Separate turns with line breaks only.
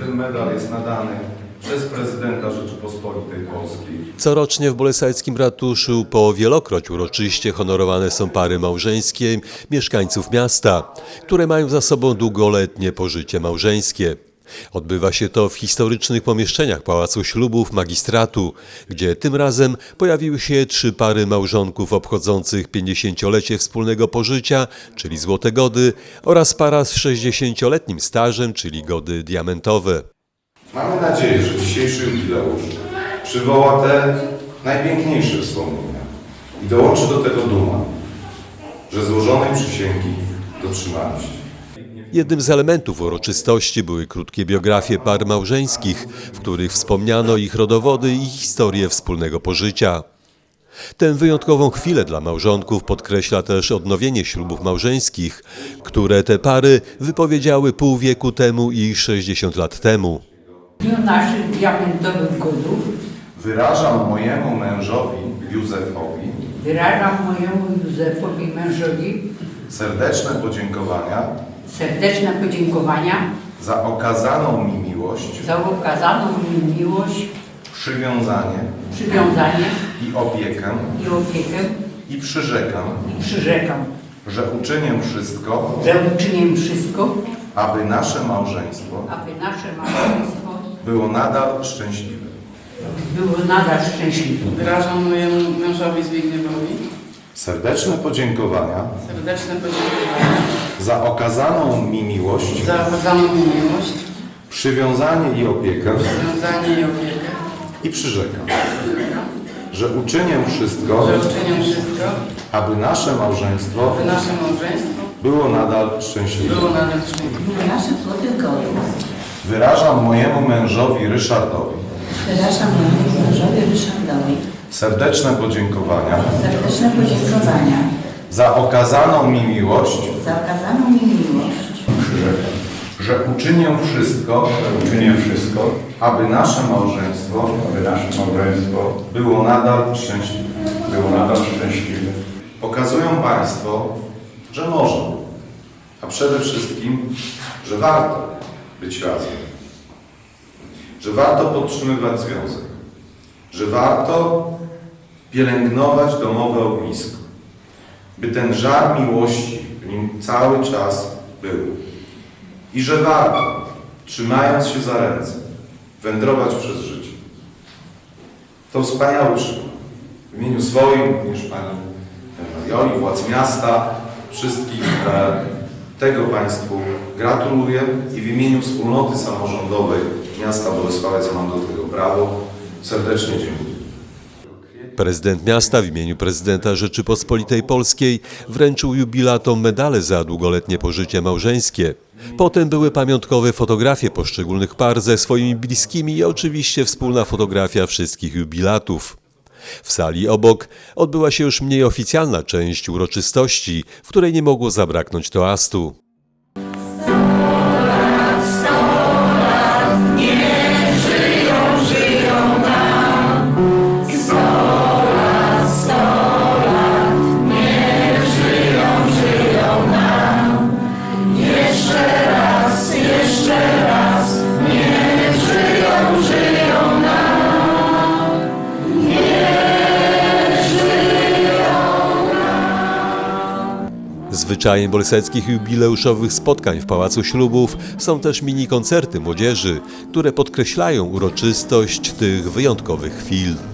ten medal jest nadany przez prezydenta Rzeczypospolitej Polskiej.
Corocznie w Bolesławskim ratuszu po wielokroć uroczyście honorowane są pary małżeńskie mieszkańców miasta, które mają za sobą długoletnie pożycie małżeńskie. Odbywa się to w historycznych pomieszczeniach Pałacu Ślubów Magistratu, gdzie tym razem pojawiły się 3 pary małżonków obchodzących 50-lecie wspólnego pożycia, czyli złote gody, oraz para z 60-letnim stażem, czyli gody diamentowe.
Mamy nadzieję, że dzisiejszy jubileusz przywoła te najpiękniejsze wspomnienia i dołączy do tego duma, że złożonej przysięgi dotrzymaliście.
Jednym z elementów uroczystości były krótkie biografie par małżeńskich, w których wspomniano ich rodowody i historię wspólnego pożycia. Tę wyjątkową chwilę dla małżonków podkreśla też odnowienie ślubów małżeńskich, które te pary wypowiedziały pół wieku temu i 60 lat temu.
W dniu naszych diamentowych godów
Wyrażam mojemu mężowi Józefowi serdeczne podziękowania za okazaną mi miłość, przywiązanie i opiekę i przyrzekam, że uczynię wszystko, aby nasze małżeństwo było nadal szczęśliwe.
Wyrażam mojemu mężowi Zbigniewowi
Serdeczne podziękowania za okazaną mi miłość, przywiązanie i opiekę i przyrzekam, że uczynię wszystko, aby nasze małżeństwo było nadal szczęśliwe.
Naszych złotych godów
Wyrażam mojemu mężowi Ryszardowi serdeczne podziękowania za okazaną mi miłość, że uczynię wszystko, aby nasze małżeństwo było nadal szczęśliwe. Pokazują Państwo, że można, a przede wszystkim, że warto być razem, że warto podtrzymywać związek, że warto pielęgnować domowe ognisko, by ten żar miłości w nim cały czas był. I że warto, trzymając się za ręce, wędrować przez życie. To wspaniały przykład. W imieniu swoim, również Pani Marioli, władz miasta, wszystkich tego Państwu gratuluję i w imieniu wspólnoty samorządowej miasta Bolesławiec mam do tego prawo. Serdecznie dziękuję.
Prezydent miasta w imieniu prezydenta Rzeczypospolitej Polskiej wręczył jubilatom medale za długoletnie pożycie małżeńskie. Potem były pamiątkowe fotografie poszczególnych par ze swoimi bliskimi i oczywiście wspólna fotografia wszystkich jubilatów. W sali obok odbyła się już mniej oficjalna część uroczystości, w której nie mogło zabraknąć toastu. Zwyczajem bolesławskich jubileuszowych spotkań w Pałacu Ślubów są też mini koncerty młodzieży, które podkreślają uroczystość tych wyjątkowych chwil.